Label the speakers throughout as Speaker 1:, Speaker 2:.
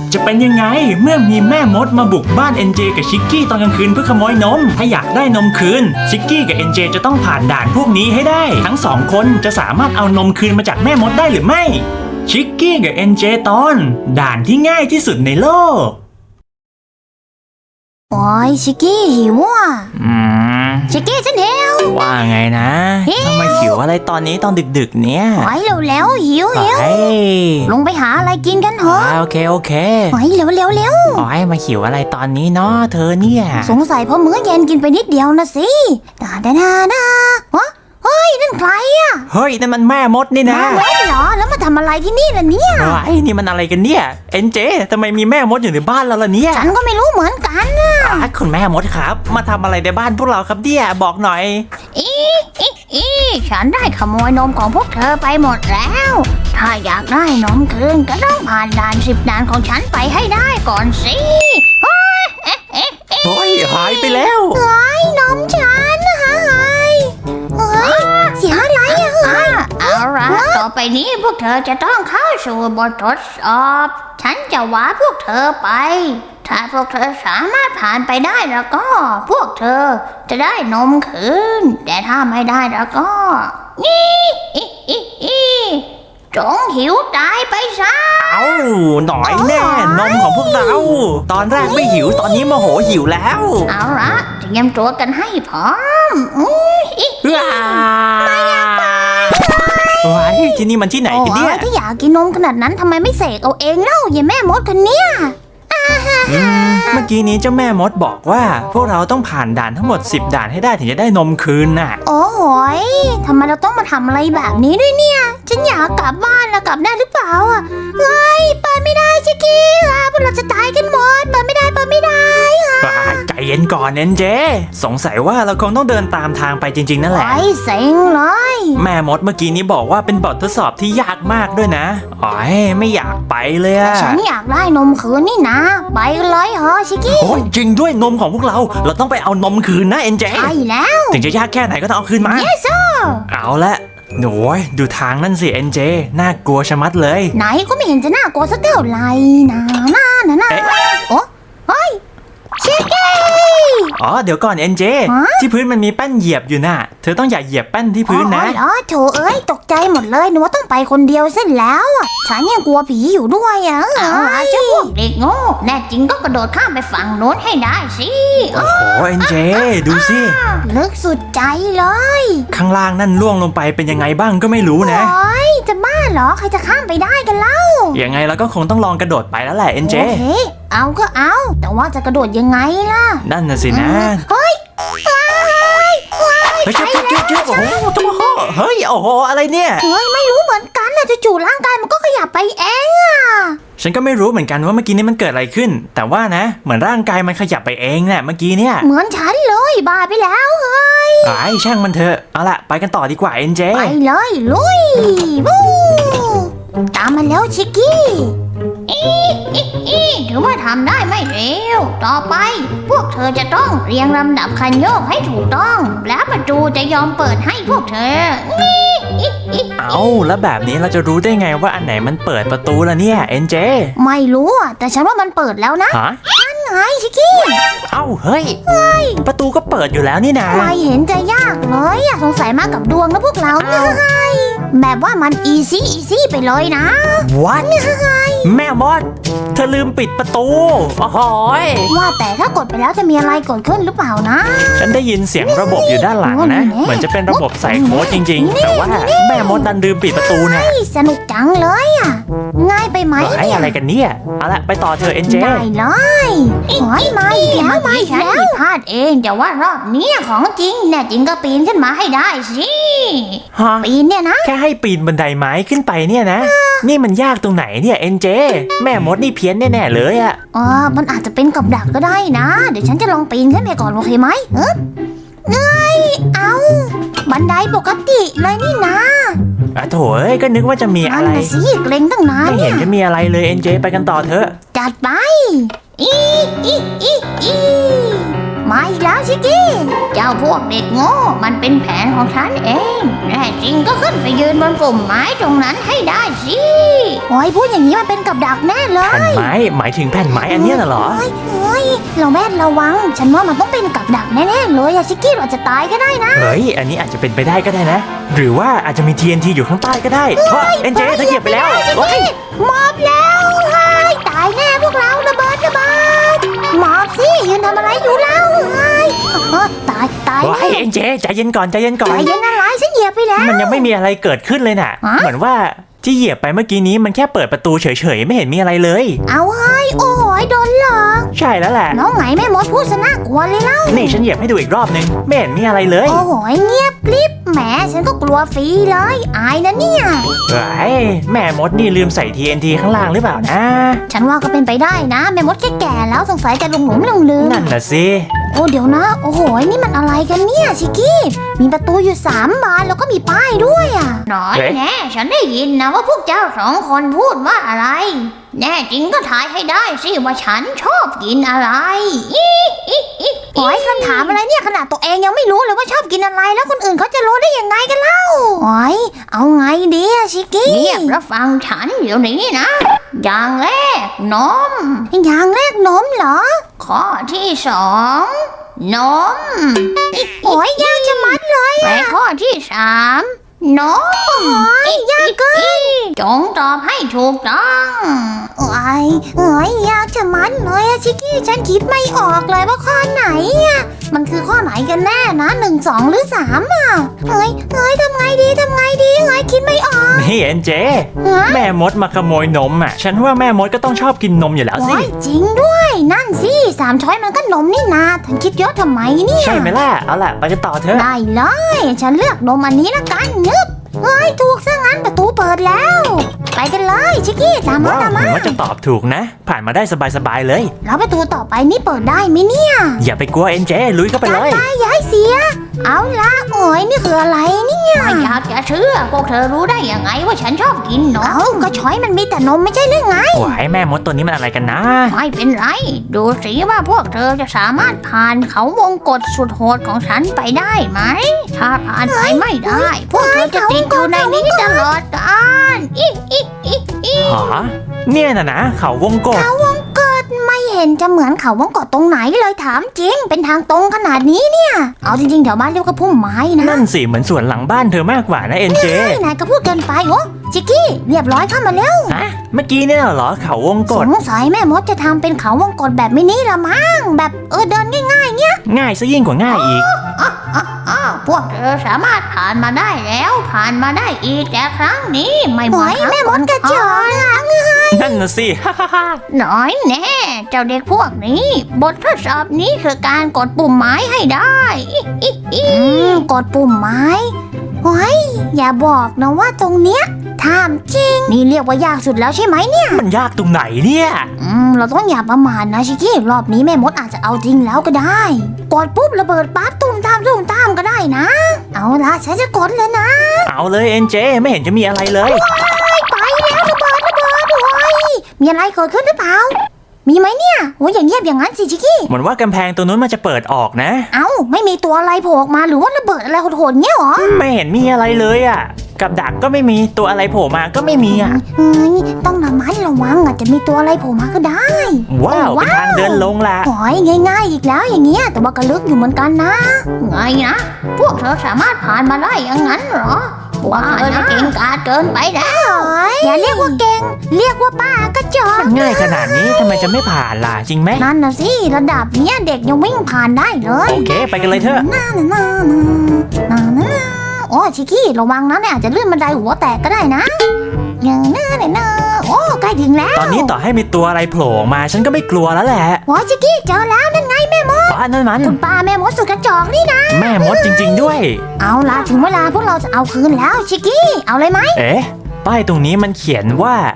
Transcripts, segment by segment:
Speaker 1: จะเป็นยังไงเมื่อมีแม่มดมาบุกบ้าน NJ กับชิกกี้ตอนกลางคืนเพื่อขโมยนมถ้าอยากได้นมคืนชิกกี้กับ NJ จะต้องผ่านด่านพวกนี้ให้ได้ทั้งสองคนจะสามารถเอานมคืนมาจากแม่มดได้หรือไม่ชิกกี้กับ NJ ตอนด่านที่ง่ายที่สุดในโลก
Speaker 2: โอ้ยชิกกี้หิวอ่ะชิกกี้ฉันหิว
Speaker 1: ว่าไงนะทำไมหิวอะไรตอนนี้ตอนดึกๆเนี่ย
Speaker 2: โอ้ยเร็วหิวลงไปหาอะไรกินกันเถอะ
Speaker 1: โอเคโ
Speaker 2: โอ้ยเร็ว
Speaker 1: โอ้ยมาหิวอะไรตอนนี้เนาะเธอเนี่ย
Speaker 2: สงสัยเพราะมื้อเย็นกินไปนิดเดียวนะสิดาเฮ้ยนั่นใครอ่ะ
Speaker 1: เฮ้ยนั่นมันแม่มดนี่นะ
Speaker 2: แม่มดเหรอแล้วมาทำอะไรที่นี่ล่ะเนี่ย
Speaker 1: ไอ้นี่มันอะไรกันเนี่ยNJทำไมมีแม่มดอยู่ในบ้านเราล่ะเนี่ย
Speaker 2: ฉันก็ไม่รู้เหมือนกันนะ
Speaker 1: คุณแม่มดครับมาทำอะไรในบ้านพวกเราครับเนี่ยบอกหน่อย
Speaker 2: ฉันได้ขโมยนมของพวกเธอไปหมดแล้วถ้าอยากได้นมคืนก็ต้องผ่านด่าน10 ด่านของฉันไปให้ได้ก่อนสิ
Speaker 1: โอ้ยหายไปแล้ว
Speaker 2: นมฉันหายเสียอะไรเอาละต่อไปนี้พวกเธอจะต้องเข้าสู่บททดสอบฉันจะวาพวกเธอไปถ้าพวกเธอสามารถผ่านไปได้แล้วก็พวกเธอจะได้นมคืนแต่ถ้าไม่ได้แล้วก็จงหิวตายไปซะ
Speaker 1: เอาหน่อยแน่นมของพวกเราตอนแรกไม่หิวตอนนี้โมโหหิวแล้ว
Speaker 2: เอาละเตรียมตัวกันให้พร้อม
Speaker 1: ไม่อยากไปว้ายที่นี่มันที่ไหนกันเนี่ย
Speaker 2: ถ้าอยากกินนมขนาดนั้นทำไมไม่เสกเอาเองเล่าอย่าแม่มดคนเนี้ย
Speaker 1: เมื่อกี้นี้เจ้าแม่มดบอกว่าพวกเราต้องผ่านด่านทั้งหมด10 ด่านให้ได้ถึงจะได้นมคืนน่ะ
Speaker 2: โอ้ยทำไมเราต้องมาทำอะไรแบบนี้ด้วยเนี่ยฉันอยากกลับบ้านแล้วกลับได้หรือเปล่าเฮ้ยไปไม่ได้ชิคกี้พวกเราจะตายกันหมดไปไม่ได้
Speaker 1: ใจเย็นก่อนNJสงสัยว่าเราคงต้องเดินตามทางไปจริงๆนั่นแหละ
Speaker 2: ไอ้เซ็งเลย
Speaker 1: แม่มดเมื่อกี้นี้บอกว่าเป็นบททดสอบที่ยากมากด้วยนะอ๋อไม่อยากไปเลย
Speaker 2: ฉันอยากได้นมคืนนี่นะไปเลยเหรอชิคกี้
Speaker 1: โอ้ยจริงด้วยนมของพวกเราต้องไปเอานมคืนนะNJ
Speaker 2: ใช่แล้ว
Speaker 1: ถึงจะยากแค่ไหนก็ต้องเอาคืนมา
Speaker 2: Yes sir
Speaker 1: เอาละโอ้ยดูทางนั่นสิNJน่ากลัวชะมัดเลย
Speaker 2: ไหนก็ไม่เห็นจะน่ากลัวสักเท่าไหร่นะโอ้เฮ้ยชิคกี้
Speaker 1: เดี๋ยวก่อนNJที่พื้นมันมีแป้นเหยียบอยู่น่ะเธอต้องอย่าเหยียบแป้นที่พื้นนะ
Speaker 2: โถตกใจหมดเลยหนูว่าต้องไปคนเดียวเส้นแล้วฉันยังกลัวผีอยู่ด้วยเจ้าพวกเด็กโง่แน่จริงก็กระโดดข้ามไปฝั่งโน้นให้ได้สิ
Speaker 1: โอ้โหNJดูสิ
Speaker 2: ลึกสุดใจเลย
Speaker 1: ข้างล่างนั่นล่วงลงไปเป็นยังไงบ้างก็ไม่รู้นะ
Speaker 2: จะบ้าเหรอใครจะข้ามไปได้กันเล่า
Speaker 1: ยังไงเราก็คงต้องลองกระโดดไปแล้วแหละNJ
Speaker 2: เอาก็เอาแต่ว่าจะกระโดดยังไงล่ะ
Speaker 1: นั่นน่ะสินะ
Speaker 2: เฮ้ย
Speaker 1: เฮ้ยโอ้โหอะไรเนี่ย
Speaker 2: ไม่รู้เหมือนกันนะจู่ๆร่างกายมันก็ขยับไปเอง
Speaker 1: ฉันก็ไม่รู้เหมือนกันว่าเมื่อกี้นี้มันเกิดอะไรขึ้นแต่ว่านะเหมือนร่างกายมันขยับไปเองเนี่ยเมื่อกี้เนี่ย
Speaker 2: เหมือนฉันเลยบ้าไปแล้วเฮ้ย
Speaker 1: ช่างมันเถอะเอาล่ะไปกันต่อดีกว่าNJ
Speaker 2: ไปเลยลุยตามมาแล้วชิคกี้ถือว่าทำได้ไม่เร็วต่อไปพวกเธอจะต้องเรียงลำดับคันโยกให้ถูกต้องแล้วประตูจะยอมเปิดให้พวกเธอ
Speaker 1: แล้วแบบนี้เราจะรู้ได้ไงว่าอันไหนมันเปิดประตูล่ะเนี่ยNJ
Speaker 2: ไม่รู้แต่ฉันว่ามันเปิดแล้วนะนั่นไงชิคกี้
Speaker 1: เฮ้ยประตูก็เปิดอยู่แล้วนี่นะ
Speaker 2: ไม่เห็นจะยากเลยสงสัยมากับดวงนะพวกเราแบบว่ามันอีซี่ไปเลยนะ
Speaker 1: What แม่มดเธอลืมปิดประตูโอ้โห
Speaker 2: ว่าแต่ถ้ากดไปแล้วจะมีอะไรเกิดขึ้นหรือเปล่านะ
Speaker 1: ฉันได้ยินเสียงระบบอยู่ด้านหลังนะเหมือนจะเป็นระบบใส่โค้ดจริงๆแต่ว่าแม่มดดันลืมปิดประตูเนี่ย
Speaker 2: สนุกจังเลยง่ายไปไหม
Speaker 1: เนี่ยอะไรกันเนี่ยเอาละไปต่อเธอNJ
Speaker 2: ได้เลยมาอีกแล้วฉันผิดพลาดเองแต่ว่ารอบนี้ของจริงแน่จริงก็ปีนขึ้นมาให้ได้สิปีนเนี่ยนะ
Speaker 1: แค่ให้ปีนบันไดไม้ขึ้นไปเนี่ยนะนี่มันยากตรงไหนเนี่ยNJแม่มดนี่เพี้ยนแน่ๆเลย
Speaker 2: มันอาจจะเป็นกับดักก็ได้นะเดี๋ยวฉันจะลองปีนขึ้นไปก่อนโอเคไหมบันไดปกติเลยนี่นะ
Speaker 1: โถ่ก็นึกว่าจะมีอะไร
Speaker 2: นั่นสิเกรงตั้งนาน
Speaker 1: ไม่เห็นจะมีอะไรเลยNJไปกันต่อเถอะ
Speaker 2: จัดไปมาอีกแล้วชิกกี้เจ้าพวกเด็กโง่มันเป็นแผนของฉันเองแน่จริงก็ขึ้นไปยืนบนปุ่มไม้ตรงนั้นให้ได้สิโอ้ยพูดอย่างนี้มันเป็นกับดักแน่เลย
Speaker 1: แผ่นไม้หมายถึงแผ่นไม้อันเนี้ยน่ะเหรอ
Speaker 2: เฮ้ยเราแม่นระวังฉันว่ามันต้องเป็นกับดักแน่ๆเลยอะชิกกี้เราจะตายก็ได้นะ
Speaker 1: เฮ้ยอันนี้อาจจะเป็นไปได้ก็ได้นะ หรือว่าอาจจะมี TNT อยู่ข้างใต้ก็ได้เพราะเอ็นเจเธอเหยียบไปแล้วเฮ้ย
Speaker 2: หมอบแล้วเฮ้ยตายแน่พวกเราระเบิดหมอบสิยืนทำอะไรอยู่แล้วเฮ้ยตาย
Speaker 1: เฮ้ยเอ็นเจใจเย็นก่อนใจเย็นก่อน
Speaker 2: ใจเย็นอะไรฉันเหยียบไปแล้ว
Speaker 1: มันยังไม่มีอะไรเกิดขึ้นเลยน่ะ เหมือนว่าที่เหยียบไปเมื่อกี้นี้มันแค่เปิดประตูเฉยๆไม่เห็นมีอะไรเลย
Speaker 2: เอาเฮ้ยโอ้ยโดนหลอก
Speaker 1: ใช่แล้วแหละ
Speaker 2: น้องไหนแม่มดพูดซะน่ากลัวเลยเล่า
Speaker 1: นี่ฉันเหยียบให้ดูอีกรอบนึงไม่เห็นมีอะไรเลย
Speaker 2: โอ้โหเงียบกริบแหมฉันก็กลัวฟรีเลยอายนะเนี่ย
Speaker 1: เฮ้ยแม่มดนี่ลืมใส่ TNT ข้างล่างหรือเปล่านะ
Speaker 2: ฉันว่าก็เป็นไปได้นะแม่มดแก่ๆแล้วสงสัยจะหลงลืม
Speaker 1: นั่นน่ะสิ
Speaker 2: โอ้เดี๋ยวนะโอ้โหนี่มันอะไรกันเนี่ยชิกกี้มีประตูอยู่3 บานแล้วก็มีป้ายด้วยอ่ะน้อยแน่ฉันได้ยินนะว่าพวกเจ้า2 คนพูดว่าอะไร แน่จริงก็ทายให้ได้สิว่าฉันชอบกินอะไรโอ้ยคำถามอะไรเนี่ยขนาดตัวเองยังไม่รู้เลยว่าชอบกินอะไรแล้วคนอื่นเขาจะรู้ได้ยังไงกันเล่าโอ้ยเอาไงดีอะชิกกี้เงียบแล้วฟังฉันเดี๋ยวนี้นะ อย่างแรกนมอย่างแรกนมเหรอ ข้อที่2นมโอ้ยยากจะมัดเลยและข้อที่3นมโอ้ยยากเกินจงตอบให้ถูกต้องโอ้ยยากจะมัดเลยอะชิกกี้ฉันคิดไม่ออกเลยว่าข้อไหนอะมันคือข้อไหนกันแน่นะ1 2 หรือ3อะเฮ้ยทำไงดีเฮ้ยคิดไม่ออก
Speaker 1: นี่เอ็นเจ แม่มดมาขโมยนมอ่ะฉันว่าแม่มดก็ต้องชอบกินนมอยู่แล้วสิ
Speaker 2: โอ้ยจริงด้วยนั่นสิ3 ช้อยมันก็นมนี่นาฉันคิดเยอะทำไมเนี่ย
Speaker 1: ใช่ไหมล่ะเอาล่ะไปกันต่อเถอะ
Speaker 2: ได้เลยฉันเลือกนมอันนี้ละกันนึบเฮ้ยถูกซะงั้นประตูเปิดแล้ว ไปกันเลยชิกกี้ตามมา
Speaker 1: ว้าว
Speaker 2: ตาม
Speaker 1: เหมื
Speaker 2: มา
Speaker 1: อนว่าจะตอบถูกนะ ผ่านมาได้สบายๆเลย
Speaker 2: แล้วประตูต่อไปนี่เปิดได้ไหมเนี่ย
Speaker 1: อย่าไปกลัวเอ็นเจลุยเข้าไปเลย
Speaker 2: ได้ย้ายเสีย เอาละโอ้ยนี่คืออะไรเนี่ยไม่อยากจะเชื่อพวกเธอรู้ได้ยังไงว่าฉันชอบกินนมก็ช้อยมันมีแต่นมไม่ใช่หรือไง
Speaker 1: โอ้ยแม่มดตัวนี้มันอะไรกันนะ
Speaker 2: ไม่เป็นไร ดูสิว่าพวกเธอจะสามารถผ่านเขาวงกฏสุดโหดของฉันไปได้ไหม ถ้าผ่านไปไม่ได้ พวกเธอจะติดอยู่ในนี้ตลอดกาล
Speaker 1: หรอเนี่ยนะเขาวงกต
Speaker 2: เขาวงกฏไม่เห็นจะเหมือนเขาวงกฏตรงไหนเลยถามจริง เป็นทางตรงขนาดนี้เนี่ย เอาจริงๆแถวบ้านเรียกว่าพุ่มไม้นะ
Speaker 1: นั่นสิเหมือนสวนหลังบ้านเธอมากกว่านะเอ็นเจ
Speaker 2: นายก็พูดเกินไปโอ้ชิกกี้เรียบร้อยเข้ามาแล้ว
Speaker 1: ฮะเมื่อกี้เนี่ยเหรอเขาวงก
Speaker 2: ส
Speaker 1: ต
Speaker 2: งสัยแม่มดจะทำเป็นเขาวงกฏแบบมินิละมั้งแบบเดินง่ายๆเนี่ย
Speaker 1: ง่ายซะยิ่งกว่าง่ายอีก
Speaker 2: พวกเธอสามารถผ่านมาได้แล้วผ่านมาได้อีกแต่ครั้งนี้ไม่เหมือนแม่มดกระจอก
Speaker 1: นั่นน่ะสิ
Speaker 2: น้อยแน่เจ้าเด็กพวกนี้บททดสอบนี้คือการกดปุ่มไม้ให้ได้กดปุ่มไม้โอ้ยอย่าบอกนะว่าตรงเนี้ยถามจริงนี่เรียกว่ายากสุดแล้วใช่ไหมเนี่ย
Speaker 1: มันยากตรงไหนเนี่ย
Speaker 2: เราต้องอย่าประมาทนะชิคกี้รอบนี้แม่มดอาจจะเอาจริงแล้วก็ได้กดปุ๊บระเบิดปั๊บตุ้มตามก็ได้นะ เอาละฉันจะกดเลยนะ
Speaker 1: เอาเลยเอ็นเจไม่เห็นจะมีอะไรเลย
Speaker 2: ไปแล้วระเบิดโอ้ยมีอะไรเกิดขึ้นหรือเปล่ามีไหมเนี่ยโอ้ยอย่างเงียบอย่างนั้นสิชิคกี้
Speaker 1: เหมือนว่ากำแพงตัวนู้นมันจะเปิดออกนะ
Speaker 2: เอ้าไม่มีตัวอะไรโผล่ออกมาหรือว่าระเบิดอะไรโหดๆเงี้ยหรอ
Speaker 1: ไม่เห็นมีอะไรเลยอ่ะ กับดักก็ไม่มีตัวอะไรโผล่มาก็ไม่มีอ่ะ
Speaker 2: ต้องระมัดระวังอาจจะมีตัวอะไรโผล่มาก็ได้
Speaker 1: ว้าวเป็นทางเดินลงละ
Speaker 2: โอ้ยง่ายๆอีกแล้วอย่างเงี้ยแต่ว่าก็ลึกอยู่เหมือนกันนะไงนะพวกเธอสามารถผ่านมาได้อย่างนั้นเหรอว่าเธอจะเก่งกาจเกินไปแล้วอย่าเรียกว่าเก่งเรียกว่าป้ากระจอก
Speaker 1: มันง่ายขนาดนี้ทำไมจะไม่ผ่านล่ะจริงไหม
Speaker 2: นั่นนะสิระดับเนี้ยเด็กยังวิ่งผ่านได้เลย
Speaker 1: โอเคไปกันเลยเถอะ
Speaker 2: โอ้ชิคกี้ระวังนะเนี่ยอาจจะเลื่อนบันไดหัวแตกก็ได้นะโอ้ใกล้ถึงแล้ว
Speaker 1: ตอนนี้ต่อให้มีตัวอะไรโผล่ออกมาฉันก็ไม่กลัวแล้วแหละ
Speaker 2: โอ้ชิคกี้เจอแล้วนั่นไงแม่มด
Speaker 1: ป้านั่นมัน
Speaker 2: คุณป้าแม่มดสุดกระจอกนี่นะ
Speaker 1: แม่มดจริง ๆด้วย
Speaker 2: เอาล่ะถึงเวลาพวกเราจะเอาคืนแล้วชิคกี้เอาเลยไหม
Speaker 1: เอ๊ะป้ายตรงนี้มันเขียนว่า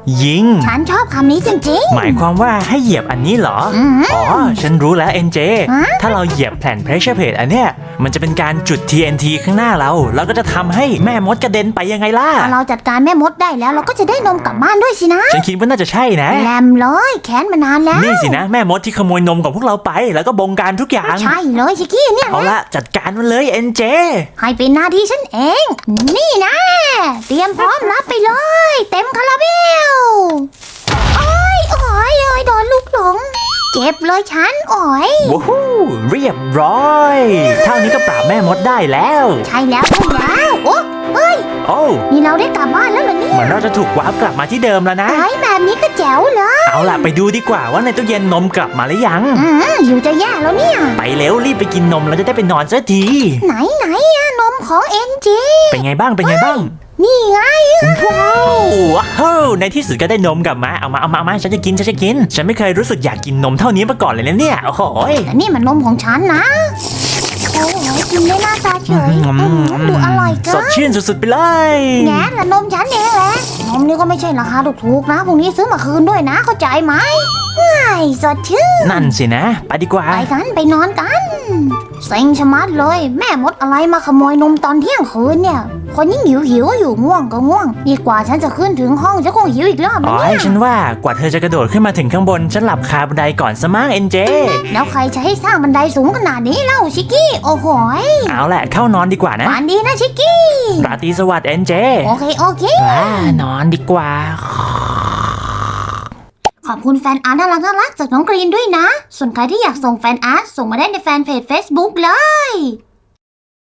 Speaker 1: ยิง
Speaker 2: ฉันชอบคำนี้จริง
Speaker 1: หมายความว่าให้เหยียบอันนี้เหรอ
Speaker 2: ๆอืม
Speaker 1: อ๋อ ฉันรู้แล้ว NJ
Speaker 2: ฮะ
Speaker 1: ถ้าเราเหยียบแผ่น pressure plate อันเนี้ย มันจะเป็นการจุด TNT ข้างหน้าเรา แล้วก็จะทำให้แม่มดกระเด็นไปยังไงล่ะ
Speaker 2: พอเราจัดการแม่มดได้แล้วเราก็จะได้นมกลับบ้านด้วยสินะ
Speaker 1: ฉันคิดว่าน่าจะใช่นะ
Speaker 2: แลมเลยแค้นมานานแล้ว
Speaker 1: นี่สินะแม่มดที่ขโมยนมของพวกเราไป แล้วก็บงการทุกอย่าง
Speaker 2: ใช่เลยชิคกี้เนี่ย
Speaker 1: เอาละจัดการมันเลย NJ
Speaker 2: ให้เป็นหน้าที่ฉันเอง นี่นะ เตรียมพร้อมรับไปเลย เต็มคาราเบลโอ้ยโดนลูกหลง เจ็บเลยฉันโอ้ย
Speaker 1: ว้าวเรียบร้อย เท่านี้ก็ปราบแม่มดได้แล้ว
Speaker 2: ใช่แล้วโอ้เฮ้ย
Speaker 1: โอ้
Speaker 2: นี่เราได้กลับบ้านแล้วเหรอเนี่ย
Speaker 1: เหมือนเราจะถูกวาร์ปกลับมาที่เดิมแล้วนะ
Speaker 2: ไอ้แบบนี้ก็แจ๋วเลย
Speaker 1: เอาล่ะไปดูดีกว่าว่าในตู้เย็นนมกลับมาหรือยัง
Speaker 2: อยู่จะแย่แล้วเนี่ย
Speaker 1: ไปเร็วรีบไปกินนมแล้วจะได้ไปนอนสักที
Speaker 2: ไหนอะนมของเอ็นจี
Speaker 1: เป็นไงบ้างเป็นไงบ้าง
Speaker 2: นี่ไง
Speaker 1: ว้าวในที่สุดก็ได้นมกลับมาเอามาฉันจะกินฉันไม่เคยรู้สึกอยากกินนมเท่านี้มาก่อนเลยนะเนี่ยโอ้โห
Speaker 2: แต่นี่มันนมของฉันนะโอ้โหกินได้หน้าตาเฉยดูอร่อยเกิ
Speaker 1: ส
Speaker 2: น
Speaker 1: ดชื่นสุดๆไปเลย
Speaker 2: แง่ละนมฉันเองแหละนมนี่ก็ไม่ใช่ราคาถูกๆนะพรุ่งนี้ซื้อมาคืนด้วยนะเข้าใจไหมสดชื่น
Speaker 1: นั่นสินะไปดีกว่า
Speaker 2: ไปกันไปนอนกันเซ็งชะมัดเลยแม่มดอะไรมาขโมยนมตอนเที่ยงคืนเนี่ยคนยิ่งหิวอยู่ง่วงก็ง่วงดีกว่าฉันจะขึ้นถึงห้องจะคงหิวอีกรอบ
Speaker 1: อ๋
Speaker 2: นะ
Speaker 1: อ
Speaker 2: เนี่ย
Speaker 1: ฉันว่ากว่าเธอจะกระโดดขึ้นมาถึงข้างบนฉันหลับคาบันไดก่อนสมั้ง NJ
Speaker 2: แล้วใครจะให้สร้างบันไดสูงขนาดนี้เล่าชิกกี้โอ้โหย
Speaker 1: เอาแหละเข้านอนดีกว่านะ
Speaker 2: ฝันดีนะชิกกี้
Speaker 1: ราตรีสวัสดิ์ NJ
Speaker 2: โอเค
Speaker 1: นอนดีกว่า
Speaker 2: ขอบคุณแฟนอาร์ตน่ารักจากน้องกรีนด้วยนะ ส่วนใครที่อยากส่งแฟนอาร์ตส่งมาได้ในแฟนเพจ Facebook เลย